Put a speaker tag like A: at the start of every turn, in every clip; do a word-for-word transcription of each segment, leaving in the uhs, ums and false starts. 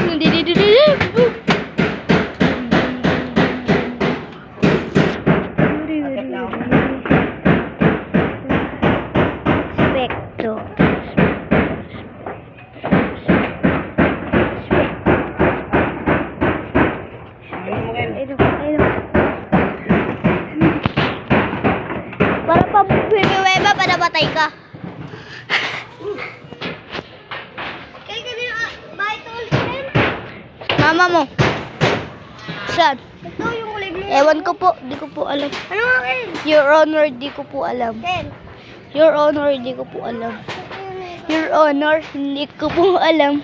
A: Para pa bumiweba para batay ka. Kaya ka din bahay to ulit. Mama mo. Saan? Ito yung kulay blue. Ewan ko po, di ko po alam. Ano akin? Your Honor, di ko po alam. Ken. Your Honor, di ko po alam. Your Honor, hindi ko po alam.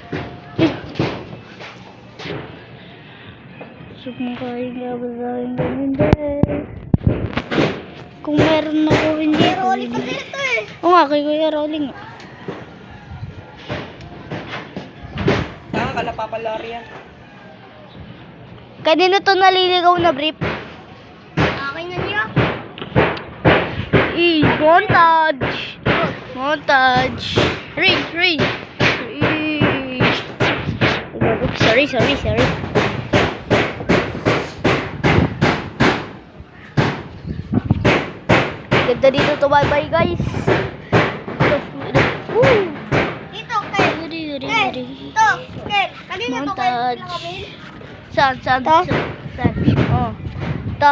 A: Sumakain ka ba sa akin hindi? Kung meron ako hindi. Kuya Rolling kasi ito eh. Oo nga, kay Kuya Rolling.
B: Saan ka napapalari yan?
A: Kanino to naliligaw na brief? Akin na niya. Eh, montage. Montage. Ring, ring. Ring. Sorry, sorry, sorry. Ganda dito to, bye bye guys. Woo! Dito, Ken. Ken, ito, Ken. Kanina to, Ken. Saan, saan, saan? Saan? Oh. Ito.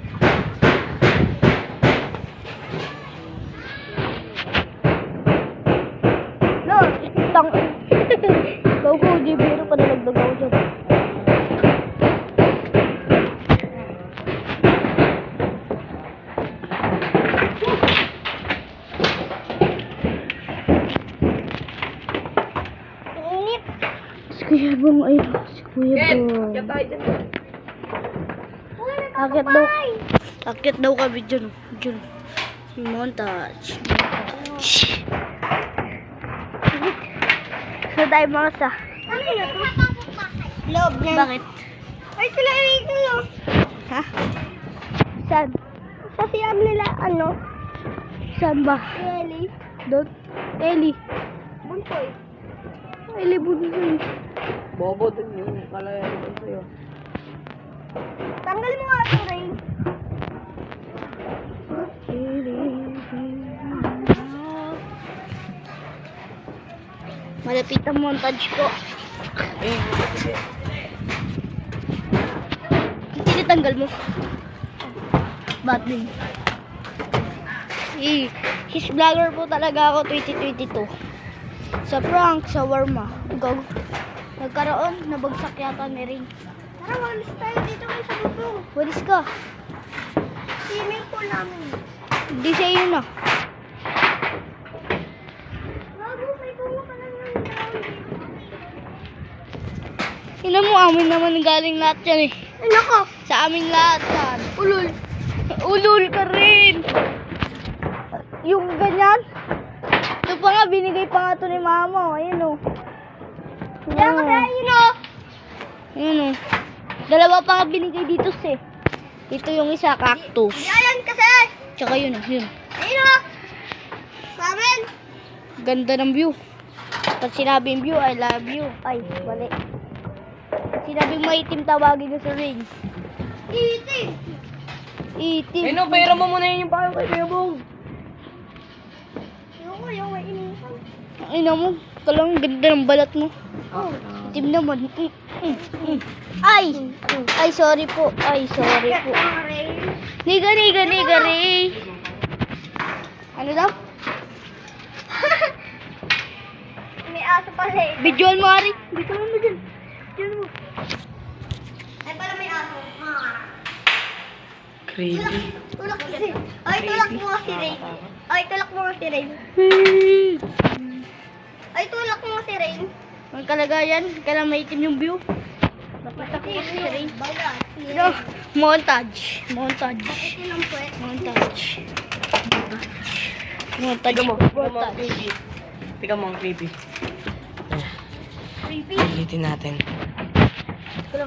A: No, tang. Go go, di biro pa nalagdag ako dyan. Si Kuya Bong, ay, si Kuya Bong.
B: Kaya tayo dyan.
A: Akit daw. Akit daw kami dyan. Dyan. Montage. So tayo mga sa. Ano yun? Loob niya. Bakit? Ay, sila ito. Ha? Saan? Sa siyam nila, ano? Saan ba? Eli. Doon? Eli. Buntoy. Eli Buntoy.
B: Bobo dun yung kalayan ko sa'yo.
A: Tanggalin mo nga ito, Ray. Malapit ang montage ko.
B: Eh,
A: Tinitanggal mo. Ba't din? Eh, his vlogger po talaga ako twenty twenty-two. Sa prank, sa warma. Go. Nagkaroon, nabagsak yata ni Ring. Tara, walis tayo dito kayo sa bubong. Walis ka. Swimming pool namin. Hindi sa iyo na. Bago, may bunga ka lang yung Ina mo, amin naman galing lahat yan eh. Ay, nako. Sa amin lahat yan. Ulul. Ulul ka rin. Yung ganyan. Ito pa nga, binigay pa nga ito ni mama. Ayan o. Yan kasi, ayun o. Ayan o. Dalawa pa nga binigay dito si. Ito yung isa, cactus. Yan kasi. Tsaka yun o, yun. Ayun o. Samin. Ganda ng view. Pag sinabing view, I love you. Ay, mali. Pag sinabing maitim, tawagin ko sa Ring. Itim. Itim.
B: eh no, pera mo muna yun yung payo kay Kuya Bong.
A: Yung ko, yung mainisan. Ang ina mo, talang ganda ng balat mo. Oh, itim naman. Mm, mm, mm. Ay! Ay, sorry po. Ay, sorry po. Niga, niga, niga, Ray. Ano daw? May aso pa rin. Bidyoan mo, Ari. Bidyoan mo dyan. Bidyoan mo. Ay, pala may aso.
B: Creepy.
A: Tulak mo si Ay, tulak mo si Ray. Ay, tulak mo si Ray. Ay, tulak mo si Ray. Ang kalagayan, kailan maitim yung view. Nakita ko si Ray. No, montage. Montage. Montage. Montage. Montage.
B: Tika mo ang creepy.
A: Creepy.
B: Ulitin natin.